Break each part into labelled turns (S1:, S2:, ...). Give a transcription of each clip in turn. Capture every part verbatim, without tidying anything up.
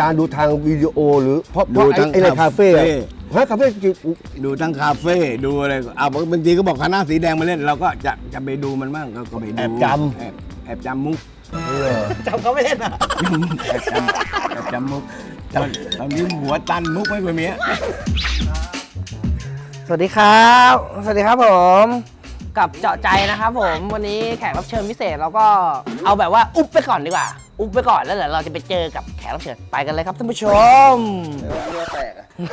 S1: ารย์ดูทางวิดีโอหรือเพราะเพราะไอ้ในคาเฟ่ฮะคาเฟ่
S2: ดูทั้งคาเฟ่ดูอะไรอ่ะบางทีก็บอกคณะสีแดงมาเล่นเราก็จะจะไปดูมันบ้างก็ไปดู
S1: แอบจำ
S2: แอบแอบจำมุก
S3: จำเขาไม่เล่นอ่ะ
S2: แอบจำแอบจำมุกตอนตอนนี้หัวตันมุกไม่เป็นเมีย
S3: สวัสดีครับสวัสดีครับผมกับเจาะใจนะครับผมวันนี้แขกรับเชิญพิเศษเราก็เอาแบบว่าอุ๊บไปก่อนดีกว่าอุ๊บไปก่อนแล้วเดี๋ยวเราจะไปเจอกับแขกรับเชิญไปกันเลยครับท่านผู้ชมเรือแตก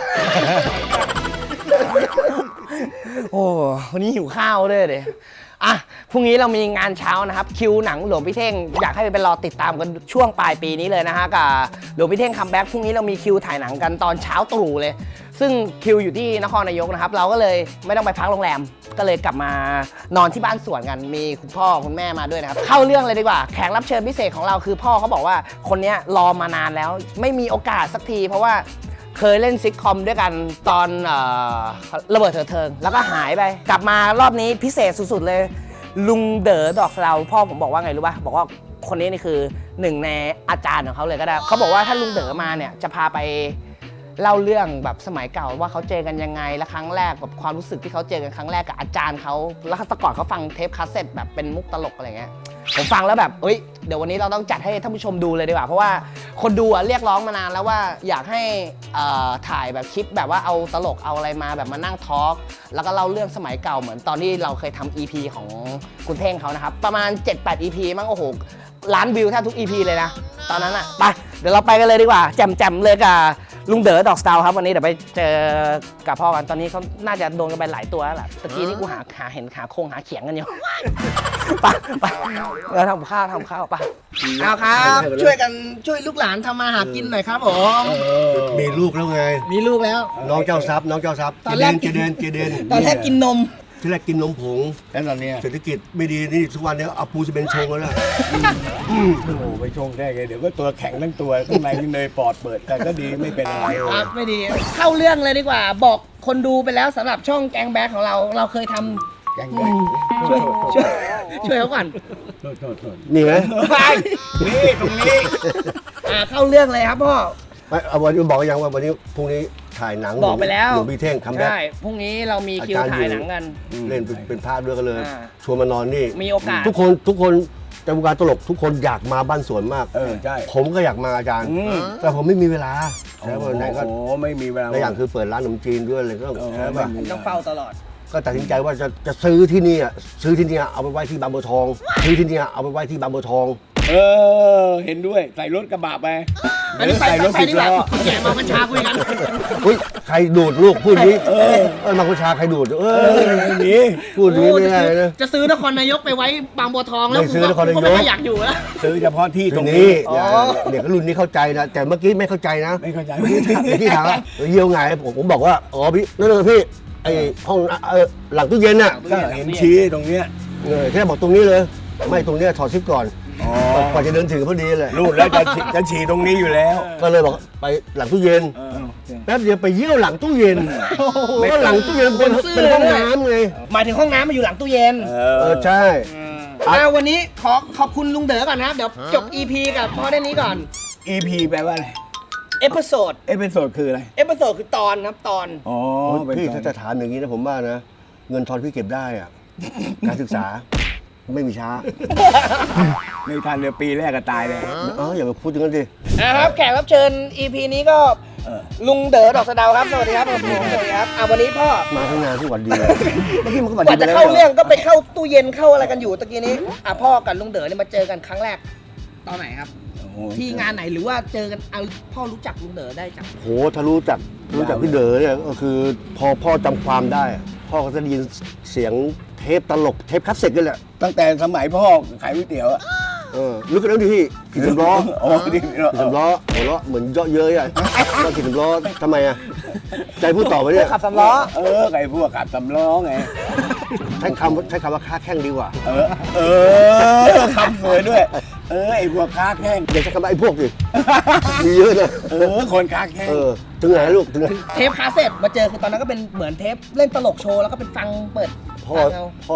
S3: โอ้วันนี้หิวข้าวด้วยเลยอ่ะพรุ่งนี้เรามีงานเช้านะครับคิวหนังหลวงพี่เท่งอยากให้ไปรอติดตามกันช่วงปลายปีนี้เลยนะฮะกับหลวงพี่เท่งคัมแบ็กพรุ่งนี้เรามีคิวถ่ายหนังกันตอนเช้าตรู่เลยซึ่งคิวอยู่ที่นครนายกนะครับเราก็เลยไม่ต้องไปพักโรงแรมก็เลยกลับมานอนที่บ้านสวนกันมีคุณพ่อคุณแม่มาด้วยนะครับเข้าเรื่องเลยดีกว่าแขกรับเชิญพิเศษของเราคือพ่อเขาบอกว่าคนนี้รอมานานแล้วไม่มีโอกาสสักทีเพราะว่าเคยเล่นซิทคอมด้วยกันตอนเอ่อระเบิดเถิดเทิงแล้วก็หายไปกลับมารอบนี้พิเศษสุดๆเลยลุงเด๋อดอกสะเดาพ่อผมบอกว่าไงรู้ป่ะบอกว่าคนนี้นี่คือหนึ่งในอาจารย์ของเขาเลยก็ได้เขาบอกว่าถ้าลุงเด๋อมาเนี่ยจะพาไปเล่าเรื่องแบบสมัยเก่าว่าเขาเจอกันยังไงและครั้งแรกแบบความรู้สึกที่เขาเจอกันครั้งแรกกับอาจารย์เขาแล้วแต่ก่อนเขาฟังเทปคาสเซ็ตแบบเป็นมุกตลกอะไรเงี้ยผมฟังแล้วแบบเอ้ยเดี๋ยววันนี้เราต้องจัดให้ท่านผู้ชมดูเลยดีกว่าเพราะว่าคนดูอะเรียกร้องมานานแล้วว่าอยากให้ถ่ายแบบคลิปแบบว่าเอาตลกเอาอะไรมาแบบมานั่งทอล์กแล้วก็เล่าเรื่องสมัยเก่าเหมือนตอนที่เราเคยทำ อี พี ของคุณเท่งเขานะครับประมาณ เจ็ดแปด อี พี มั้งโอ้โหล้านวิวแทบทุก อี พี เลยนะตอนนั้นอะไปเดี๋ยวเราไปกันเลยดีกว่าแจ่มๆเลยกับลุงเด๋อดอกสตาร์ครับวันนี้เดี๋ยวไปเจอกับพ่อกันตอนนี้เขาน่าจะโดนกันไปหลายตัวแล้วแหละตะกี้นี่กูหาหาเห็นหาโคงหาเขียงกันอยู่ไปไปเราทำข้าวทำข้าวไปเอาครับช่วยกันช่วยลูกหลานทำมาหากินหน่อยครับผม
S1: มีลูกแล้วไง
S3: มีลูกแล้ว
S1: น้องเจ้าทรัพย์น้องเจ้าทรัพย์
S3: ตอนแรก
S1: เจเดนเจเดน
S3: ตอนแรกกินนม
S1: ที่แรกกินนมผง
S2: แล้วตอนนี้
S1: เศรษฐกิจไม่ดีนี่ทุกวันนี้เอาปูจะเป็นชงแล้วนะ
S2: โอ้โหไปชงได้ไงเดี๋ยวก็ตัวแข็งทั้งตัวข้างในมีเนยปอดเปิดแต่ก็ดีไม่เป็นอะไร
S3: ครับไม่ดีเข้าเรื่องเลยดีกว่าบอกคนดูไปแล้วสำหรับช่องแกงแบ็คของเราเราเคยทำ
S2: แกงแบ็ค
S3: ช่วยช่วยช่วยเขาก่อน
S1: นี่ไหม
S2: ไปนี่ตรงนี้
S3: อ่าเข้าเรื่องเลยครับพ่อ
S1: เอาวันนี้บอกยังว่าวันนี้พรุ่งนี้ถ่ายหนัง
S3: บอกไปแล้ว
S1: หลวงพี่เท่งคัมแบ็ค
S3: ใช่พรุ่งนี้เรามีคิวถ่ายหนังกัน
S1: เล่นเป็นภาพด้วยกันเลยชวนมานอนนี่
S3: มีโอกาส
S1: ทุกคนทุกคนในวงการตลกทุกคนอยากมาบ้านสวนมาก
S2: เออใช่
S1: ผมก็อยากมาอาจารย์แต่ผมไม่มีเวลาแล้ววันไหนก็
S2: โอ้ไม่มีเวลา
S1: ในอย่างคือเปิดร้านขนมจีนด้วยอะไรก็
S3: ใช่ป่ะต้องเฝ้าตลอด
S1: ก็ตัดสินใจว่าจะจะซื้อที่นี่อ่ะซื้อที่นี่เอาไปไว้ที่บางบัวทองซื้อที่นี่เอาไปไว้ที่บางบัวทอง
S2: เออเห็นด้วยใส่รถกระบะไป
S3: ใส่รถสิบล้อแกมากัญชาคุยกัน
S1: เฮ้ยใครดูดลูกพูดนี้เออมากัญชาใครดูดเออ
S2: นี่
S1: พูดนี้ไม่ได้นะ
S3: จะซื้อนครนายกไปไว้บางบัวทองแล้ว
S1: ซื้อนครนายก
S3: ไม่อยากอยู่แล้ว
S2: ซื้อเฉพาะที่ตรง
S1: นี้เนี่ยรุ่นนี้เข้าใจนะแต่เมื่อกี้ไม่เข้าใจนะ
S2: ไม่เข้าใจ
S1: ที่ถามว่าเยี่ยวไงผมผมบอกว่าอ๋อพี่นั่นเลยพี่ไอห้องหลังตู้เย็นน่ะ
S2: ก็เห็นชี้ตรงเนี้ย
S1: เออแค่บอกตรงนี้เลยไม่ตรงเนี้ยถอดซิปก่อนกว่าจะเดินถึงพอดีเลย
S2: รูดแล้วจะจะฉี่ตรงนี้อยู่แล้ว
S1: ก็เลยบอกไปหลังตู้เย็นแป๊บเดียวไปเยี่ยวหลังตู้เย็นก็หลังตู้เย็นเป็นเป็นห้องน้ำไง
S3: หมายถึงห้องน้ำมาอยู่หลังตู้เย็น
S1: เออใช่
S3: เอาวันนี้ขอขอบคุณลุงเด๋อก่อนนะเดี๋ยวจบ อี พี กับพ่อได้นี้ก่อน
S2: อี พี แปลว่าอะไร
S3: เอพิโซด
S2: เอพิโซดคืออะไร
S3: เอพิโซดคือตอนครับตอน
S2: อ๋อ
S1: พี่ถ้าจะถามอย่างนี้นะผมว่านะเงินทอนพี่เก็บได้อะการศึกษาไม่มีช้า
S2: ไม่ทันเลยปีแรกก็ตายเลย
S1: อ๋ออย่ามาพูดอย่างนั้นดิ
S3: นะครับแขกรับเชิญ อี พี นี้ก็ลุงเด๋อดอกสะเดาครับสวัสดีครับผมสวัสดีครับอ่ะวันนี้พ่อ
S1: มาทั้งงานที่หวัดดีเมื่อกี้มันก็หวัด
S3: ดีไปแล้วก่อนจะเข้าเรื่องก็ไปเข้าตู้เย็นเข้าอะไรกันอยู่ตะกี้นี้อ่ะพ่อกับลุงเด๋อเนี่ยมาเจอกันครั้งแรกตอนไหนครับที่งานไหนหรือว่าเจอกันเอาพ่อรู้จักลุงเด๋อได้จาก
S1: โหถ้ารู้จักรู้จักพี่เด๋อเนี่ยก็คือพอพ่อจำความได้พ่อก็จะได้ยินเสียงเทปตลกเทปคัสเซ็ตกันแหละ
S2: ตั้งแต่สมัยพ่อขายก๋วยเตี๋ยวอะ
S1: เออรู้กันแล้วดิพี่ขี่สำล้อ
S2: อ๋อขี่
S1: สำล้อหัวเราะเหมือนเยาะเย้ยอ่ะก็ขี่สำล้อทำไมอ่ะใจพูดต่อไปเนี่ย
S3: ขับสำล้อ
S2: เออไก่พวกขับสำล้อไง
S1: ใช้คำใช้คำว่าค้าแข้งดีกว่า
S2: เออเออคำสวยด้วยเออไอ้พวกค้าแข้ง
S1: อย่าใช้คำว่าไอ้พวกดิมีเยอะนะ
S2: เออคนค้าแข้ง
S1: เออถึงไหนลูกถึงไหน
S3: เทปคาสเซ็ตมาเจอคือตอนนั้นก็เป็นเหมือนเทปเล่นตลกโชว์แล้วก็เป็นฟังเปิด
S1: พ่อพ่อ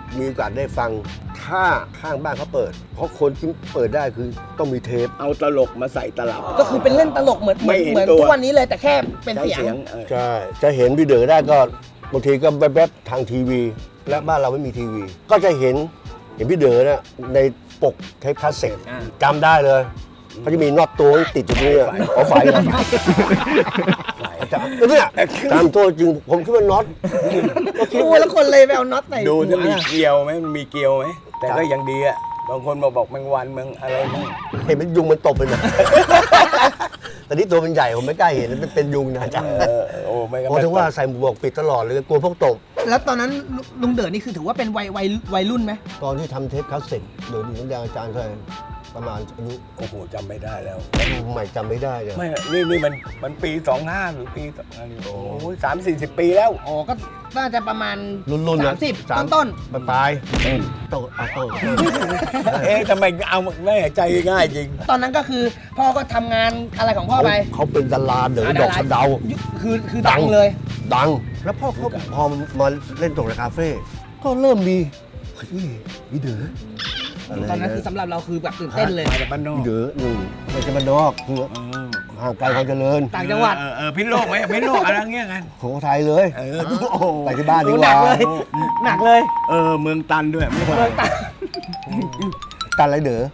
S1: มีโอกาสได้ฟังถ้าข้างบ้านเขาเปิด เพราะคนที่เปิดได้คือต้องมีเทป
S2: เอาตลกมาใส่ตลับ
S3: ก็คือเป็นเล่นตลกเหมือนเหมือน
S2: ไม่เห็น
S3: เหมือน
S2: ตัว
S3: ทุกวันนี้เลยแต่แค่เป็น
S2: ใช้
S3: เสียง
S2: เสียงเออ
S1: ใช่ จะเห็นพี่เด๋อได้ก็บางทีก็แวบๆทางทีวี และบ้านเราไม่มีทีวี ก็จะเห็นเห็นพี่เด๋อเนี่ยในปกเทปคาสเซ็ต
S3: อ่า
S1: จำได้เลยเขาจะมีน็อตตัวติดอยู่ตรงนี้อะขอฝ่ายกันอาจารย์เนี่ยตามตัวจริงผมคิดว่าน็อตก็คิด
S3: โอ้
S1: ว่า
S3: แล้วคนเลยไปเอาน็อตใส่
S2: ดูจะมี
S3: หัว
S2: เกลียวไหมมันมีเกลียวไหมแต่ก็ยังดีอะบางคนมาบอกแมงวันเมืองอะไรมั่ง
S1: เห็นเป็นยุงมันตบไปนะแต่นี่ตัวมันใหญ่ผมไม่กล้าเห็นมันเป็นยุงนะอาจารย์
S2: เออโอ้ไม่ก็
S1: เพราะถึงว่าใส่หมวกปิดตลอดเลยกลัวพวกตบ
S3: แล้วตอนนั้นลุงเด๋อนี่คือถือว่าเป็นวัยวัยวัยรุ่นไหม
S1: ตอนที่ทำเทปคาสเซ็ตเดี๋ยวนี้น้ำยางอาจารย์เท่าไหร่ประมาณอายุ
S2: โอ้โหจำไม่ได้แล้ว
S1: ใหม่จำไม่ได้เลย
S2: ไม่นี่นี่มันมันปีสองห้าหรือปีสองห้าโอ้ยสามสี่สิบปีแล้ว
S3: อ๋อก็น่าจะประมาณ
S1: รุ่นๆนะ
S3: สามสิบต้น
S1: ปลายปลายโตเอาโต
S2: เอ๊ะทำไมเอาแม่ใจง่ายจริง
S3: ๆตอนนั้นก็คือพ่อก็ทำงานอะไรของพ่อ
S1: เขา
S3: ไป
S1: เขาเป็นดาราเด๋อ
S3: อ่า
S1: ดอก
S3: ดารา
S1: สะเดา
S3: คือคือ
S1: ดั
S3: ดั
S1: ง
S3: งเลย
S1: ดัง แล้วพ่อเขาพอมาเล่นตกในคาเฟ่ก็เริ่มมีเฮ้ยพี่เด๋ออะไร
S3: ตอนนั้นคือ
S1: เงี้ย
S3: สำหรับเราคือแบบตื่นเต้นเลย
S2: มาจากบ้านนอก
S1: พี่เด๋อหนึ่งไม่ใช่บ้านนอกคือห่างไกลความเจริญ
S3: ต่างจังหวัด
S2: เออเออพิษโลกไหมพิษโลกอะไรเงี้ยกัน
S1: ของไทยเลย
S2: เออโอ้โห
S1: ไปที่บ้านดีก
S3: หนั
S1: ว่าก
S3: เลยหนักเลย
S2: เออเมืองตันด้วยไม่
S3: เมื
S2: ว่า
S3: องต่าง
S1: กันอะไรเด๋อ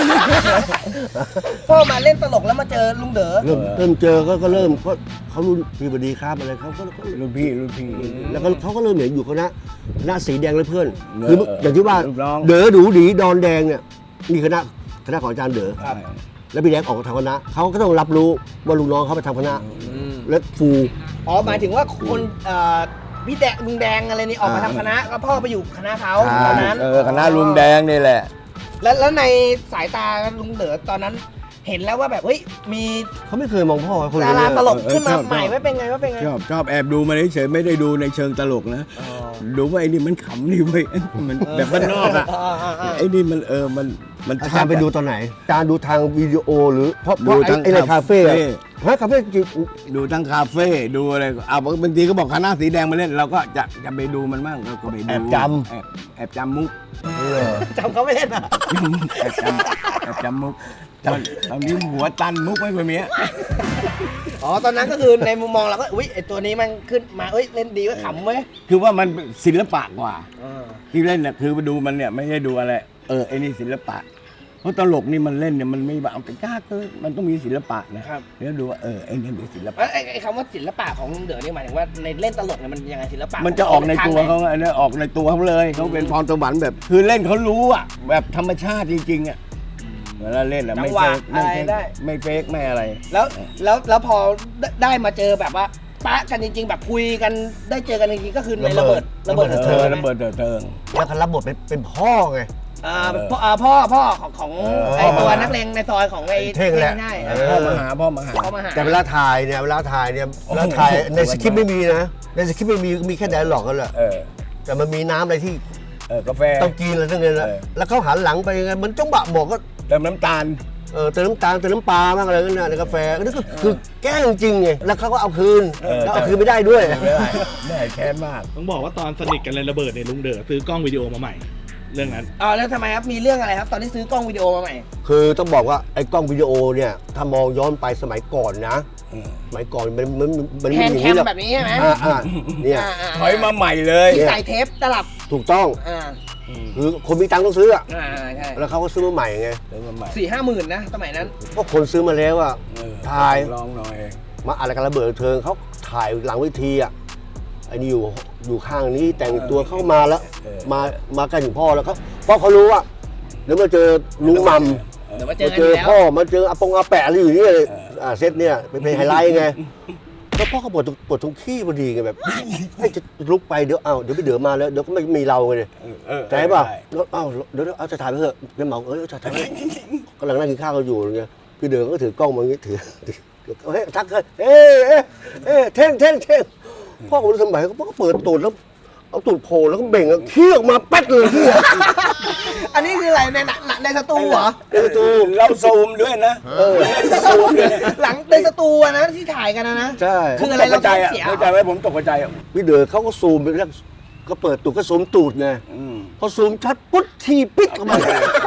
S3: พ่อมาเล่นตลกแล้วมาเจอลุงเด๋อ
S1: เริ่มเริ่มเจอก็ก็เริ่มก็เขารุ่นพี่บดีครับอะไรเขาก็ก็
S2: รุ่นพี่รุ่นพี่
S1: แล้วก็เขาก็เริ่มเห็นอยู่คณะคณะสีแดงเลยเพื่อน
S2: เออ
S1: คืออย่างที่ว่า
S2: ลูกน้อง
S1: เด๋อดูดีดอนแดงเนี่ยมีคณะคณะของอาจารย์เด๋อ
S2: ครับ
S1: แล้วพี่แดงออกทางคณะเขาก็ต้องรับรู้ว่าลูกน้องเขาไปทำคณะและฟู
S3: อ๋อหมายถึงว่าคนเอ่อพี่แดงลุงแดงอะไรนี่ออกมาทำคณะแล้วพ่อไปอยู่คณะเขาตอนนั้น
S2: เออคณะลุงแดงนี่แหละ
S3: แล้วแล้วในสายตาลุงเด๋อตอนนั้น เห็นแล้วว่าแบบเฮ้ยมี
S1: เขาไม่เคยมองพ่อว่าคน
S3: ดารา
S1: นี้
S3: ตลกขึ้นมา
S2: เออชอบ
S3: ใหม่ว่าเป็นไงว่าเป็นไง
S2: ชอบชอบแอบดูมาเฉยๆไม่ได้ดูในเชิงตลกนะดูว่าไอ้นี่มันขำนี่เว้ยมันแบบบ้านนอกอะ
S3: อ่าอ่าอ่า
S2: ไอ้นี่มันเออมันมัน
S1: อา
S2: ชั
S1: จาร
S2: ด
S1: ย์ไปดูตอนไหนอาจารย์ดูทางวิดีโอหรือเพราะเพ
S2: ดู
S1: ราะไอ้
S2: ทาง
S1: ไอ้ในคาเฟ่อะ
S2: คาเฟ่
S1: ฮะคาเฟ่จริง
S2: ดูทั้งคาเฟ่ดูอะไรอ่ะบางทีก็บอกคณะสีแดงมาเล่นเราก็จะจะไปดูมันบ้างเราก็ไปดู
S1: แอบจ
S2: แอบแอบจำมุก
S1: เออ
S3: จำเขาไม่เล่นอ่ะ
S2: แอบจำแอบจำมุกตอนตอนนี้หัวตันมุกไม่เป็นเมีย
S3: อ๋อตอนนั้นก็คือในมุมมองเราก็อุ้ยไอตัวนี้มันขึ้นมาเอ้ยเล่นดีก็ขำเว้ย
S2: คือว่ามันศิลปะกว่า
S3: อ่า
S2: ที่เล่นเนี่ยคือไปดูมันเนี่ยไม่ใช่ดูอะไรเออไอ้นี่ศิลปะเพราะตลกนี่มันเล่นเนี่ยมันไม่แบบเอาไปกล้าเกินมันต้องมีศิลปะนะครับ แล้วดูว่าเออไอ้นี่เป็นศิลปะ
S3: แล้วไอ้ไอ้คำว่าศิลปะของลุงเด๋อนี่หมายถึงว่าในเล่นตลกเนี่ยมันยังไงศิลปะ
S2: มันจะออกในตัวเขาไงเนี่ยออกในตัวเขาเลยเขาเป็นพรสวรรค์แบบ คือเล่นเขารู้อ่ะแบบธรรมชาติจริงๆอ่ะเวลาเล่นอ่ะ
S3: จั
S2: ไม่
S3: งหวะ
S2: เฟก
S3: อะ
S2: ไม่
S3: ไร
S2: เฟก
S3: ได้
S2: ไม่เฟกไม่อะไร
S3: แล้วแล้วแล้วพอได้ได้มาเจอแบบว่าปะกันจริง ๆ แบบคุยกันได้เจอกันจริงๆก็คือในระเบิดระเบิด
S2: เอ
S3: เถิ
S2: อ
S3: ด
S2: ระเบิดเถิดเทิง
S1: แล้วเขารับบทเป็นเป็นพ่อไง
S3: อ่าพ่ออ่าพ่อพ่อของของ
S2: เออ
S3: ไอตัวนักเลงในซอยของไอ
S1: เท่งแหละ
S3: ใช่
S1: เอ
S2: พ่อมาหาพ่อมาหา
S3: เขามาหา
S1: แต่เวลาถ่ายเนี่ยเวลาถ่ายเนี่ยเวลาถ่ายในสคริปต์ไม่มีนะในสคริปต์ไม่มีมีแค่ไดร์ล็อกกันแหละ
S2: เออ
S1: แต่มันมีน้ำอะไรที่
S2: เออกาแฟ
S1: ต้องกินอะไรทั้งนั้นแหละ
S2: เออ
S1: แล้วเขาหันหลังไปยังไงมันจ้องบะบอกก็
S2: เติมน้ำตาล
S1: เออเติมน้ำตาลเติมน้ำปลาบ้างอะไรนั่นนะในกาแฟนั่นก็คือแกล้งจริงไงแล้วเขาก็เอาคืน
S2: เออ
S1: แล้วเอาคืนไม่ได้ด้วย
S2: ไม่ได้ไม่ได้แค้นมาก
S4: ต้องบอกว่าตอนสนิทกันเลยระเบิดเนี่ยลุงเด๋อซื้อกล้องวิดีโอมาใหม่ เรื่องนั้น
S3: อ๋อแล้วทำไมครับมีเรื่องอะไรครับ ตอนที่ซื้อกล้องวิดีโอมาใหม่
S1: คือต้องบอกว่าไอ้กล้องวิดีโอเนี่ยถ้ามองย้อนไปสมัยก่อนนะสมัยก่อนมันมันมัน
S3: แฮ
S1: ไม่
S3: น
S1: มี
S3: ด์
S1: อย่าง
S3: แค
S1: นี้
S3: ม
S1: หรอก
S3: แบบนี้ใช่ไหม
S1: อ่าอ่าเนี่ย
S3: อ่าอ่า
S2: ถอยมาใหม่เลย
S3: ที่ใส่เทปตลับ
S1: ถูกต้อง
S3: อ่า
S1: คือคนมีตังค์ต้องซื้ออะ
S3: อ่าใช่
S1: แล้วเขาก็ซื้อมาใหม่ไง
S2: เติมมาใหม่
S3: สี่ห้าหมื่นนะสมัยนั้น
S1: เพราะคนซื้อมาแล้วอะ
S2: เออ
S1: ถ่าย
S2: ลองหน่อย
S1: มาอะไรกันระเบิดเทิงเขาถ่ายหลังเวทีอ่ะไอ้นี่อยู่อยู่ข้างนี้แต่งตัวเข้ามาแล้ว
S2: เออ
S1: มามาใกล้ถึงพ่อแล้วเขาเพราะเขารู้ว่าเดี๋ยวมาเจอลุงมัม
S3: เดี๋ยวมาเจอ
S1: มา
S3: กัน
S1: เจ
S3: อ
S1: อยู่
S3: แล้ว
S1: พ่อมาเจออาปงอาแปะอะไรอยู่นี่เลยอ่าเซตเนี่ยเป็นเพลงไฮไลท์ไงแล้วพ่อเขาปวดปวดตรงขี้พอดีไงแบบให้จะลุกไปเดี๋ยวเอาเดี๋ยวไปเดือมาแล้วเดี๋ยวก็ไม่มีเราไง
S2: เออเออ
S1: ใจป่ะ
S2: ได้
S1: แล้วเอ้าเดี๋ยวเอาจะถ่ายไปเถอะเป็นเหมาเออจะถ่ายไปกำลังนั่งกินข้าวกันอยู่ไงพี่เดือก็ถือกล้องมาอย่างงี้ถือเฮ้ยทักเลยเอ้เอ้เอ้เท่งเท่งเท่งพ่อผมสมัยเขาก็เปิดตูดแล้วเอาตูดโผล่แล้วก็เบ่งแล้วขี้ออกมาแป๊ดเลยขี้
S3: อันนี้คืออะไรในหนังในสตูเหรอ
S1: ในประตู
S2: เราซูมด้วยนะ
S1: เออ
S2: ซูมด้วยนะ
S3: หลังในสตูอะนะที่ถ่ายกันนะนะ
S1: ใช่
S3: คืออะไรเรา
S2: ตกใจอ่ะ
S3: เสีย
S2: ตกใจไว้ผมตกใจอ่ะ
S1: พี่เดือเขาก็ซูมไปแล้วก็เปิดตูดก็ซูมตูดไง
S2: อืม
S1: พอซูมชัดปุ๊บทีปิดออกมา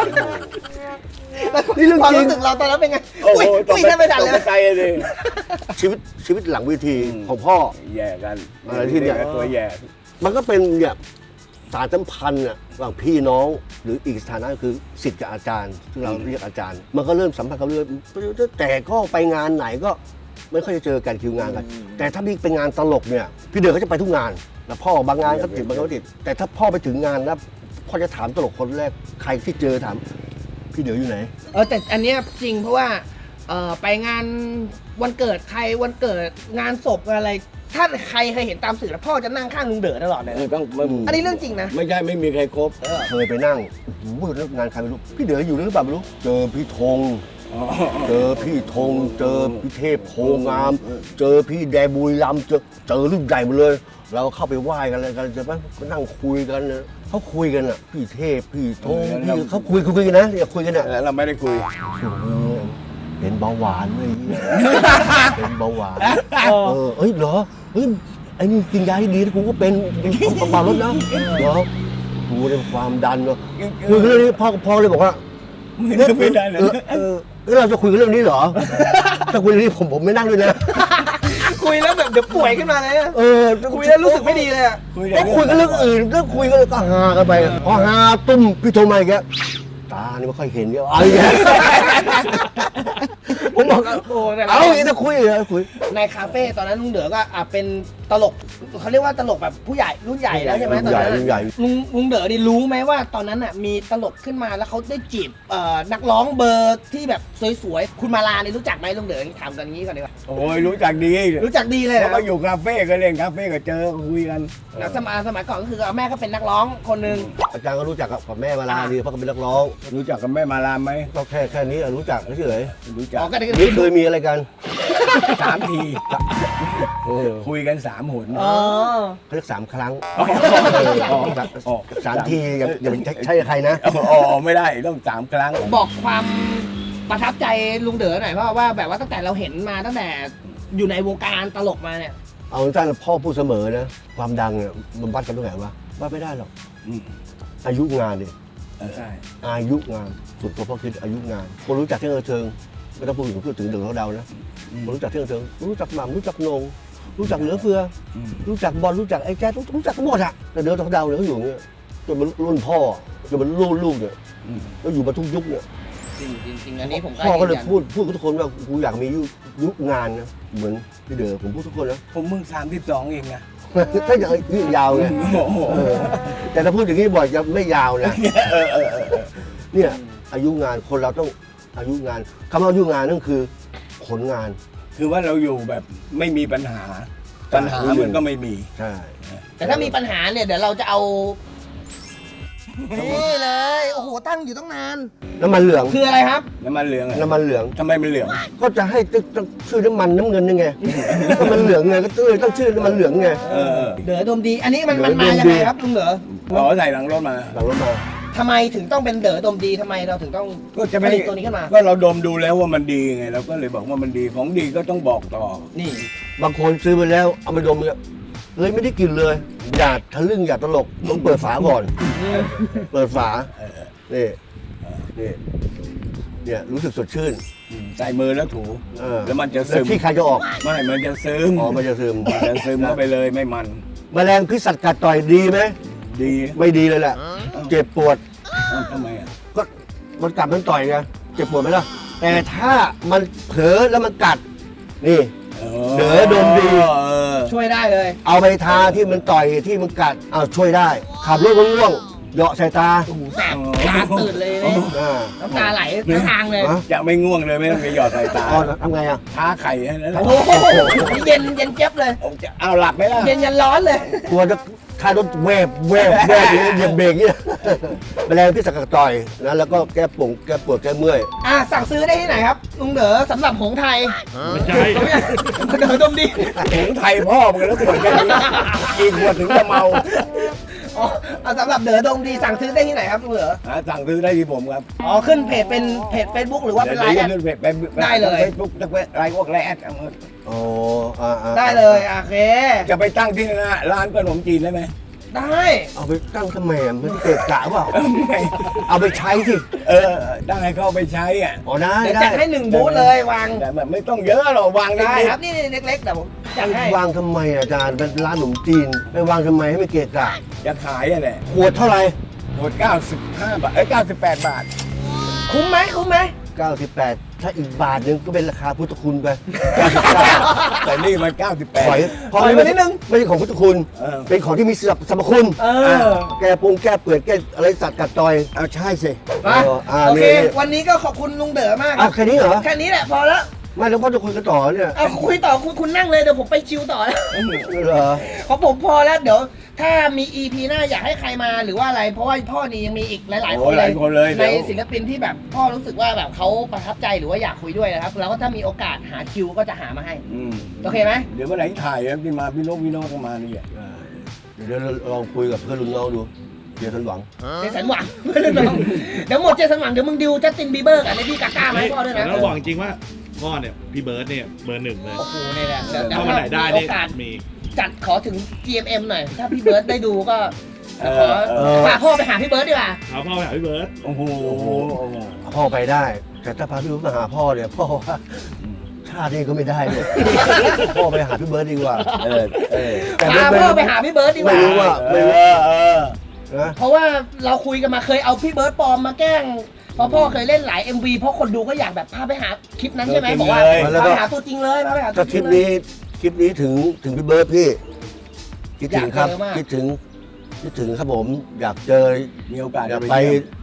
S1: นี่เรื่อง
S3: ความ
S1: จริง
S3: รู้สึกเราตอนนั้นเป็นไง
S2: โอ้โห
S3: อุ้ย
S2: ตก
S3: อุ้ยแทบไม่ทันเลย
S2: ตกใจเลย
S1: ชีวิตชีวิตหลังเวทีของพ่อ
S2: แย่กัน
S1: อะไรที่เนี่ย
S2: ตัวแย่
S1: มันก็เป็นเนี่ยสารสัมพันธ์อะระหว่างพี่น้องหรืออีกสถานะคือศิษย์กับอาจารย์ซึ่งเราเรียกอาจารย์ มันก็เริ่มสัมพันธ์กันเรื่อยแต่ก็ไปงานไหนก็ไม่ค่อยจะเจอกันคิวงานกัน แต่ถ้าพี่เป็นงานตลกเนี่ยพี่เดือก็จะไปทุกงานแล้วพ่อบางงานก็ติดบางงานก็ติดแต่ถ้าพ่อไปถึงงานแล้วพ่อจะถามตลกคนแรกใครที่เจอถามพี่เดืออยู่ไหน
S3: เออแต่อันเนี้ยจริงเพราะว่าเออไปงานวันเกิดใครวันเกิดงานศพอะไร ถ้าใครเคยเห็นตามสื่อแล้วพ่อจะนั่งข้างลุงเด๋อตลอดเลย
S2: เออ
S3: นะ
S2: ต้องมัน
S3: อันนี้เรื่องจริงนะ
S2: ไม่ใช่ไม่มีใครครบ
S1: เคยไปนั่งโอ้โหเรื่องงานใครไม่รู้พี่เดืออยู่หรือเปล่าไม่รู้เจอพี่ธง
S2: อ๋อ
S1: เจอพี่ธงเจอพี่เทพโพงาม เจอพี่แดบุรีรัมย์เจอเจอรุ่นใหญ่หมดเลย เราเข้าไปไหว้กันอะไรกันจะไปก็นั่งคุยกันนะเขาคุยกันอ่ะพี่เทพพี่ธงพี่เขาคุยคุยกันนะอย่าคุยกันอ่ะ
S2: แล้วเราไม่ได้คุย
S1: เป็นเบาหวานเลยเป็นเบาหวานเออเอ้ยเหรอเฮ้ยไอ้นี่กินยาที่ดีนะกูก็เป็นเป็นเบาๆลดนะเหรอกูเป็นความดันเนาะคุยกันเรื่องนี้พ่อพ่อเลยบอกว่า
S2: ไม่ได้เลย
S1: เออเออเออเราจะคุยกันเรื่องนี้เหรอ ถ้าคุยเรื่องนี้ผมผมไม่นั่งด้วยนะ
S3: คุยแล้วแบบเดี๋ยวป่วยขึ้นมาเลยอะ
S1: เออ
S3: คุยแล้วรู้สึกไม่ดีเลยอะ
S2: คุย
S1: ก็คุยกันเรื่องอื่นก็คุยกันก็ฮากันไปพอฮาตุ้มพี่โทรมาอีกแล้วตานี่ไม่ค่อยเห็นเยอะเอาอีกแล้วผมบอก
S3: โอ้แต่ละ
S1: เอาอีกจะคุยเหรอคุย
S3: ในคาเฟ่ตอนนั้นลุงเด๋อก็อ่ะเป็นตลกเขาเรียกว่าตลกแบบผู้ใหญ่รุ่นใหญ่แล้วใช่ไหมตอนนั้น
S1: รุ่นใหญ่
S3: อะลุงลุงเด๋อนี่รู้ไหมว่าตอนนั้นอ่ะมีตลกขึ้นมาแล้วเขาได้จีบเอ่อนักร้องเบอร์ที่แบบสวยๆคุณมาลานี่รู้จักไหมลุงเด๋อถามกันอย่างนี้ก่อนดีกว่า
S2: โอ้ยรู้จักดี
S3: รู้จักดีเลย
S2: เขา
S3: นะ
S2: ก็อยู่คาเฟ่ก็เล่นคาเฟ่ก็เจอคุยกัน
S3: แล้วสมัยสมัยก่อนก็คือแม่ก็เป็นนักร้องคนหนึ่ง
S1: อาจารย์ก็รู้จักกับแม่มาลาดีเพราะเขาเป็นนักร้อง
S2: รู้จักกับแม่มาลามไหม
S1: ก็แค่แค่นี้รู้จักเฉย
S2: รู้จัก
S3: อ๋อก็ได้
S1: ๆนี่เคยมีอะไรกัน
S2: สามที
S1: เออ
S2: คุยกันสามหน
S3: อ๋อ
S1: เขาเรียกสามครั้ง
S2: อ๋อ
S1: เออสามทีอย่าอย่าไปใช้กับใครนะ
S2: อ๋อไม่ได้ต้องสามครั้ง
S3: บอกความประทับใจลุงเด๋อหน่อยเพราะว่าแบบว่าตั้งแต่เราเห็นมาตั้งแต่อยู่ในวงการตลกมาเนี่ย
S1: เอาสั้นๆพ่อพูดเสมอนะความดังเนี่ยมันวัดกันตรงไหนวะวัดไม่ได้หรอก
S2: อืม
S1: อายุงานดิ
S2: เออใช่
S1: อายุงานสุดตัวพ่อคิดอายุงานคนรู้จักเที่ยงเทิงไม่ต้องพูดถึงพูดถึงเดือดเขาเดานะคนรู้จักเที่ยงเทิงรู้จักหม่ำรู้จักโหนงรู้จักเหลือเฟือ
S2: อืม
S1: รู้จักบอลรู้จักไอ้แจ๊ดรู้จักกันหมดอะแต่เดือดเขาเดาเนี่ยเขาอยู่อย่างเงี้ยจนมันรุ่นพ่อจนมันรุ่นลูกเนี่ย
S2: อืม
S1: ก็อยู่มาทุกยุคเนี่ย
S3: จริงจริงจริงอันนี้ผมก็
S1: พ่อก็เลย
S3: ยืนยัน
S1: พูดพูดกับทุกคนว่ากูอยากมียุคยุคงานนะเหมือนพี่เดือผมพูดทุกคนนะ
S2: ผมมึงสามสิบสองเองนะ
S1: ถ้าอย่างนี้ยาวไง
S2: โอ้โห
S1: เออแต่ถ้าพูดอย่างนี้บ่อยจะไม่ยาวนะเนี่ยอายุงานคนเราต้องอายุงานคำว่าอายุงานนั่นคือผลงาน
S2: คือว่าเราอยู่แบบไม่มีปัญหา ปัญหามันก็ไม่มี
S1: ใช่
S3: แต่ถ้ามีปัญหาเนี่ยเดี๋ยวเราจะเอานี่เลยโอ้โหตั้งอยู่ตั้งนาน
S1: น้ำมันเหลือง
S3: คืออะไรครับ
S2: น้ำมันเหลืองอะ
S1: น้ำมันเหลือง
S2: ทำไมมันเหลือง
S1: ก็จะให้ต้องชื่อน้ำมันน้ำเงินยังไง น้ำมันเหลืองไงก็เลยต้องชื่อน้ำมันเหลืองไง
S2: เออเออ
S3: เด๋อดมดี อันนี้มันมัน
S1: เด๋
S3: มา
S1: อดม
S3: ยัง
S1: ดี
S3: ไงครับลุงเด๋อ
S2: อ๋อใส่หลังรถมา
S1: หลังรถมา
S3: ทำไมถึงต้องเป็นเด๋อดมดีทำไมเราถึงต้อง
S2: ก็จะ
S3: ผ
S2: ไม่
S3: ลิตตัวนี้ขึ้นมา
S2: ก็เราดมดูแล้วว่ามันดีไงเราก็เลยบอกว่ามันดีของดีก็ต้องบอกต่อ
S3: นี่
S1: บางคนซื้อไปแล้วเอาไปดมเนี่ยเลยไม่ได้กลินเลย อย่าทะลึ่งอย่าตลกต้องเปิดฝาก่อน เปิดฝานี่นี่เนี่ยรู้สึกสดชื่น
S2: อืมใส่มือแล้วถู
S1: เออ
S2: แล้วมันจะ
S1: แล้ว
S2: ซึม
S1: ที่ใครจะออก
S2: ไม่มันจะซึม
S1: อ๋อมันจะซึม
S2: มันจะซึมเข้าไปเลยไม่มัน
S1: แมลงพิษสัตว์กัดต่อยดีไหม
S2: ดี
S1: ไม่ดีเลยแหละ เจ็บปวด
S2: เอ้าทำไมอ่ะ
S1: ก็มันกัดมันต่อยไงเจ็บปวดไหมล่ะ แต่ถ้ามันเผลอแล้วมันกัด นี่ เด๋อดมดี
S2: เออ
S3: ช่วยได้เลย
S1: เอาไปทาที่มันต่อยที่มันกัดเอาช่วยได้ ขับรถง่วงๆเหยาะใส่ตา
S3: โอ้โหแสบตาตื่นเลยเนี่ย
S1: อ่า
S3: น้ำตาไหลทั้งทางเลย
S1: ฮะ
S2: จะไม่ง่วงเลยไม่ต้องไปหยอดใส่ตา
S1: อ๋อทำไงอ่ะ
S2: ท้าไข่ให้นั่นแหละ
S3: โอ้โหเย็นเย็นเจี๊ยบเลย
S2: เอาหลับไหมล่ะ
S3: เย็นยันร้อนเลย
S1: กลัวจะท้ายรถแวบแวบแวบอย่างเงี้ยเหยียบเบรกเนี่ยแมลงพิษสัตว์กัดต่อยนะแล้วก็แก้ปุ่งแก้ปวดแก้เมื่อย
S3: อ่ะสั่งซื้อได้ที่ไหนครับลุงเด๋อสำหรับหงส์ไทย
S4: ไม่ใช่
S3: เด๋อดมดี
S2: หงไทยพ่อมึงแล้วขวดแค่นี้กี่ขวดถึงจะเมา
S3: อ๋อเอาสำหรับเด๋อดมดีสั่งซื้อได้ที่ไหนครับลุงเด๋อ
S2: หาสั่งซื้อได้ที่ผมครับ
S3: อ๋อขึ้นเพจเป็นเพจ Facebook หรือว่าเป็นไลน์แอด
S2: ดี๋ยวดี๋ยวดี๋ว
S3: ได้เลย
S2: เฟซบุ๊กไลน์พวกไลน์แอดเอามา
S1: อ๋ออ่าอ่า
S3: ได้เลยโอเค
S2: จะไปตั้งที่หน้าร้านขนมจีนได้ไหม
S3: ได้
S1: เอาไปตั้งทำไมอ่ะมันเกะกะเปล่าเอาไปใช้สิ
S2: เออได้เข้าไปใช้อ่ะ
S1: อ๋อได้
S3: เดี๋ยว
S1: ได้
S3: จัดให้หนึ่งบูธเลยวาง
S2: แต่แบบไม่ต้องเยอะหรอกวาง
S3: ได้
S2: ได้
S3: ครับนี่เล็กๆแต่ผมจัดให้
S1: วางทำไมอาจารย์เป็นร้านขนมจีนไปวางทำไมให้ไม่เกะกะ
S2: จะขายอ่ะแหละ
S1: ขวดเท่าไหร่
S2: หมดเก้าสิบห้าบาทเอ้ยเก้าสิบแปดบาท
S3: คุ้มไหมคุ้มไหม
S1: เก้าสิบแปดถ้าอีกบาทหนึงก็เป็นราคาพุทธคุณไป
S2: แต่นี่มันเก้าสิบแปด
S1: ถอยเพราะ
S3: ถอย
S1: นี่
S3: มานิดนึง
S1: ไม่ใช่ของพุทธคุณ
S2: เออ
S1: เป็นของที่มีสรรพสรรพคุณ
S3: เออ
S1: แก้ปรุงแก้เปื่อยแก้อะไรสัตว์กัดต่อยเอาใช่สิ
S3: มา
S1: เอออ่า
S3: โอเค
S1: นี่
S3: วันนี้ก็ขอบคุณลุงเด๋อมากค
S1: เอา
S3: รับ
S1: แค่นี้เหรอ
S3: แค่นี้แหละพอแล้ว
S1: ไม่แล้วพ่อจะคุยกันต่อเนี่ย
S3: เอาคุยต่อคุณคุณนั่งเลยเดี๋ยวผมไปชิวต่อแล้ว
S1: เหรอ
S3: ของผมพอแล้วเดี๋ยวถ้ามี อี พี หน้าอยากให้ใครมาหรือว่าอะไร เพราะว่าพ่อนี่ยังมีอีกหลาย ๆ
S2: โอ้
S3: คน
S2: ห
S3: เล
S2: ลาย ยคนเลย
S3: ใน
S2: เดี๋ยว
S3: ศิลปินที่แบบพ่อรู้สึกว่าแบบเขาประทับใจหรือว่าอยากคุยด้วยนะครับแล้วก็ถ้ามีโอกาสหาคิวก็จะหามาให้
S2: อืม
S3: โอเคไหม
S2: เดี๋ยววันไหนถ่ายแล้วพี่มาพี่โนกพี่โนกก็มานี่อ่ะ
S1: เดี๋ยวเราลองคุยกับเพื่อนรุ่นน้องดูเดี๋ยวฉันหวัง
S3: เจสันหวัง เดี๋ยวหมดเจสันหวังเดี๋ยวมึงดิวจัสตินบีเบอร์กับเลดี้กาก้ามาให้พ่อด้วย
S4: แต่
S3: นะ
S4: ต้องบอกจริงๆว่าพ่อเนี่ยพี่เบิร์ดเนี่ยเบอร์หนึ่งเลย
S3: โอ้โหนี่แหละเดี๋ยวเดี๋ยว
S4: ถ้าวันไหนได้
S3: มีโอ
S4: เนี่ย
S3: กาส
S4: มี
S3: จัดขอถึง จี เอ็ม เอ็ม หน่อย ถ้าพี่เบิร์ดได้ดูก็
S2: เอ
S3: ขอ
S2: อเออ
S3: พาพ่อไปหาพี่เบิร์ดดีกว่า
S4: เอาพ่อไปหาพี่เบิร์ด
S2: โอ้โห
S1: พ่อไปได้ แต่ถ้าพาพี่เบิร์ดมาหาพ่อเนี่ยพ่อว่าชาตินี้ก็ไม่ได้เนี่ยพ่อไปหาพี่เบิร์ดดีกว่า
S2: เออเออ
S1: แต่
S3: พา
S1: ไม่
S3: พ่อไปหาพี่เบิร์ดดีก
S1: ไม่
S3: ว่า
S1: รู้ว่า
S2: เอ
S1: ไม่รู้
S2: อเออ
S1: นะ
S3: เพราะว่าเราคุยกันมาเคยเอาพี่เบิร์ดปลอมมาแกล้งเพราะพ่อเคยเล่นหลาย เอ็ม วี เพราะคนดูก็อยากแบบพาไปหาคลิปนั้นใช่ไหม
S2: ตัวจริง
S3: บอกว่า
S2: เลย
S3: พาไปหาตัวจริงเลยพาไปหาตั
S1: ถ้าว
S3: จ
S1: ค
S3: ริ
S1: ลิ
S3: ง
S1: ป
S3: เลย
S1: นี้คลิปนี้ถึงถึงพี่เบิร์ดพี่คิดถึงครับ
S3: อยากเจอมาก
S1: คิดถึงคิดถึงครับผม อยากเจอ
S2: มีโอกาส
S1: อยาก
S2: จะ
S1: ไป
S2: เยี่ย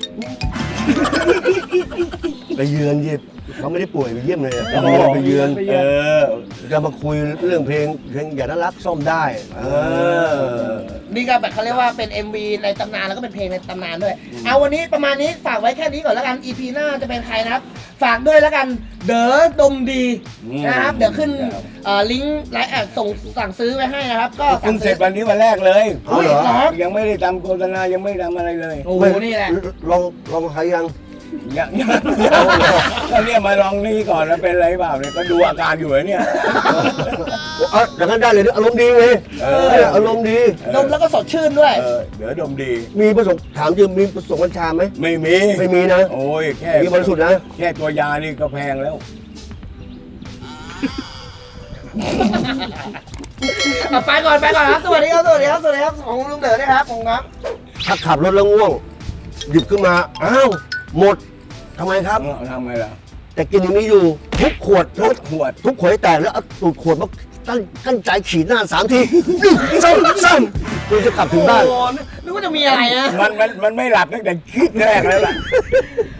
S2: ม
S1: ไปเยือนยี่เขาไม่ได้ป่วยไปเยี่ยมเลยอะ
S2: โอ้โห
S1: ไปเยือน
S2: เออ
S1: จะมาคุยเรื่องเพลงเพลงอย่าน่ารักซ่อมได้เออ
S3: นี่ก็แบบเขาเรียกว่าเป็น เอ็ม วี ในตำนานแล้วก็เป็นเพลงในตำนานด้วย เอาวันนี้ประมาณนี้ฝากไว้แค่นี้ก่อนแล้วกัน อี พี หน้าจะเป็นใครนะครับ ฝากด้วยแล้วกันเด๋อดมดี
S2: อืม
S3: นะครับ เดี๋ยวขึ้นเอ่อลิงก์ไลน์แอดส่งสั่งซื้อไว้ให้นะครับ ก็
S2: เพิ่
S3: สั่
S2: ง
S3: ง
S2: เสร็
S3: ซื้
S2: จ
S3: อ
S2: วันนี้วันแรกเลย
S1: เอาเหรอ
S3: ครับ
S2: ยังไม่ได้ทำโฆษณายังไม่ได้ทำอะไรเลย
S3: โอ้โหนี่แหละ
S1: ลองลองใครยัง
S2: ยังยังก็เนี่ยมาลองนี่ก่อนแล้วเป็นอะไรเปล่าเนี่ยก็ดูอาการอยู่เนี่ย
S1: เอออย่างนั้นได้เลยอารมณ์ดีไง
S2: เออ
S1: เนี่ยอารมณ์ดี
S3: ดมแล้วก็สดชื่นด้วย
S2: เออเดี๋ยวดมดี
S1: มีประสบถามจริงมีประสบกัญชาไหม
S2: ไม่มี
S1: ไม่มีนะ
S2: โอ้ยแค่
S1: มีบริสุทธิ์นะ
S2: แค่ตัวยานี่ก็แพงแล้ว
S3: เอาไปก่อนไปก่อนครับ สวัสดีครับ สวัสดีครับ สวัสดีครับ ของลุงเด๋อนะครับผมครับ
S1: ถ้าขับรถแล้วง่วง หยิบขึ้นมา อ้าว หมดทำไมครับ
S2: ทำไงล่ะ
S1: แต่กินอย่างนี้อยู่ ทุกขวด
S2: ร
S1: ทุก
S2: ถขวด
S1: ทุกขวดให้แตกแล้วเอาตูดขวดมาตั้งตั้งใจขีดหน้าสามทีซ้ำซ้ำคุณจะกลับถึงบ้าน
S3: โอ้โหนึกว่าจะมีอะไรนะ
S2: มันมันมันไม่หลับตั้งแต่คิดแรกแล้วล่ะ